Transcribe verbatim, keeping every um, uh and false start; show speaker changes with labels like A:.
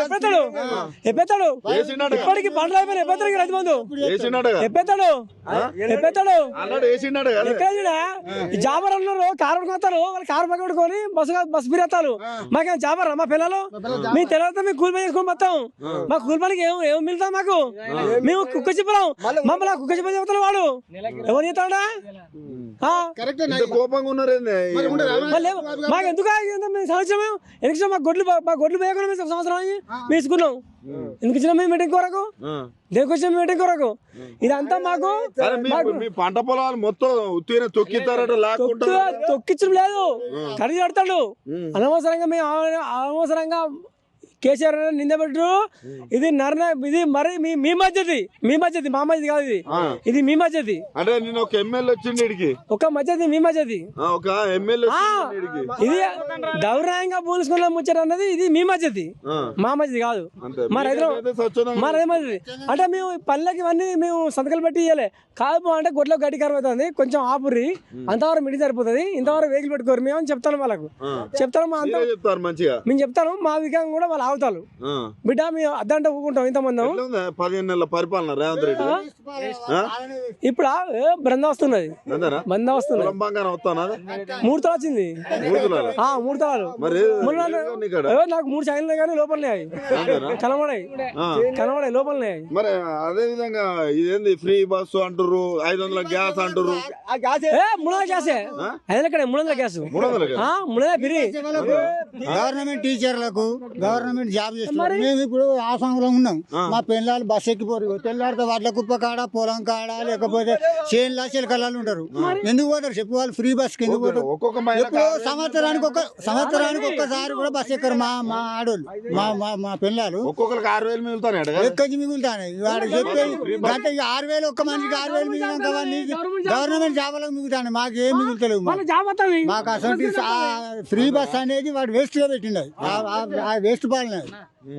A: ఎప్పుడెత్తాడు ఎప్పుడెత్తాడు ఇప్పటికి పంటలు అయిపోయినా ఎప్పుడెత్తాడు రైతు బంధు ఎప్పుడెత్తాడు ఎప్పుడెత్తాడు ఎక్కడ జాబర్ అన్నారు కారు కొడతారు వాళ్ళు కారు పక్క కొట్టుకొని బస్సు బస్సు ఫిరేస్తారు మాకేం జాబర్ మా పిల్లలు మీ తెలియదు మేము కూలి పని చేసుకొని మొత్తం మా కూలి పనికి ఏం ఏం మిగులుతాం మాకు మేము కుక్క చెప్పలేం మమ్మల్ని కుక్క చెప్పని చెప్తాడు వాడు ఎవరు చెప్తాడా
B: కోపంగా ఉన్నారు
A: మాకు ఎందుకు సంవత్సరం ఎందుకు మా గొడ్లు మా గొడ్లు పోయకుండా సంవత్సరం మేము ఇసుకున్నాం ఎందుకు ఇచ్చిన మేము మీటింగ్ కొరకు దేనికి వచ్చిన మీటింగ్ కొరకు ఇదంతా మాకు
B: పంట పొలాలు మొత్తం తొక్కిస్తారట
A: తొక్కించడం లేదు కడిగి కడతాడు అనవసరంగా మేము అనవసరంగా కేసీఆర్ నిందబెట్టు ఇది నర్న ఇది మరి మీ మీ మధ్యది మీ మధ్యది మా మధ్యది కాదు ఇది ఇది మీ మధ్యది
B: అంటే నేను ఒక ఎమ్మెల్యే వచ్చింది
A: ఒక మధ్యది మీ మధ్యది
B: ఒక ఎమ్మెల్యే
A: ఇది దౌర్యంగా పోలుసుకున్న ముచ్చట అన్నది ఇది మీ మధ్యది మా మధ్యది కాదు మా రైతులు మా రైతు మధ్యది అంటే మేము పల్లెకి ఇవన్నీ మేము సంతకాలు పెట్టి ఇవ్వలే కాదు అంటే గొడ్లో గడ్డి కరువు అవుతుంది కొంచెం ఆపుర్రి అంతవరకు మిడి సరిపోతుంది ఇంతవరకు వెహికల్ పెట్టుకోరు మేము అని చెప్తాను వాళ్ళకు చెప్తాను మా అంతా మేము చెప్తాను మా విధంగా కూడా వాళ్ళు ఆగుతారు బిడ్డ మేము అద్దంటే ఊకుంటాం ఇంతమంది
B: పదిహేను నెలల పరిపాలన రేవంత్ రెడ్డి
A: ఇప్పుడు బృంద వస్తున్నది బంద వస్తున్నది మూడు తల వచ్చింది మూడు తలాలు నాకు మూడు చైన్లు కానీ లోపలనే కనబడాయి కనబడాయి లోపలనే
B: మరి అదే విధంగా ఇదేంది ఫ్రీ బస్సు అంటారు ఐదు వందల గ్యాస్ అంటారు
A: మూడు వందల గ్యాసే ఐదు వందల మూడు వందల గ్యాస్ మూడు వందల ఫ్రీ
C: గవర్నమెంట్ టీచర్లకు గవర్నమెంట్ జాబ్ చేస్తున్నారు మేము ఇప్పుడు ఆసాంలో ఉన్నాం మా పిల్లలు బస్ ఎక్కిపోరు తెల్లారితే వాటిల కుప్ప కాడ పొలం కాడ లేకపోతే చేనులా చిలకలాలు ఉంటారు ఎందుకు పోతారు చెప్పు వాళ్ళు ఫ్రీ బస్ కి ఎందుకు పోతారు ఎప్పుడో సంవత్సరానికి ఒక సంవత్సరానికి ఒక్కసారి కూడా బస్ ఎక్కరు మా మా ఆడోళ్ళు మా మా మా పిల్లలు
B: ఒక్కొక్కరికి ఆరు వేలు మిగులుతాయి
C: ఎక్కడి మిగులుతాయి వాడు చెప్పేది గంట ఆరు వేలు ఒక్క మనిషికి ఆరు వేలు మిగిలినాక గవర్నమెంట్ జాబులకు మిగులుతాయి మాకేం మిగులుతలేవు మాకు అసలు ఫ్రీ బస్ అనేది వాడు వేస్ట్ గా పెట్టిండు ఆ వేస్ట్ పాలన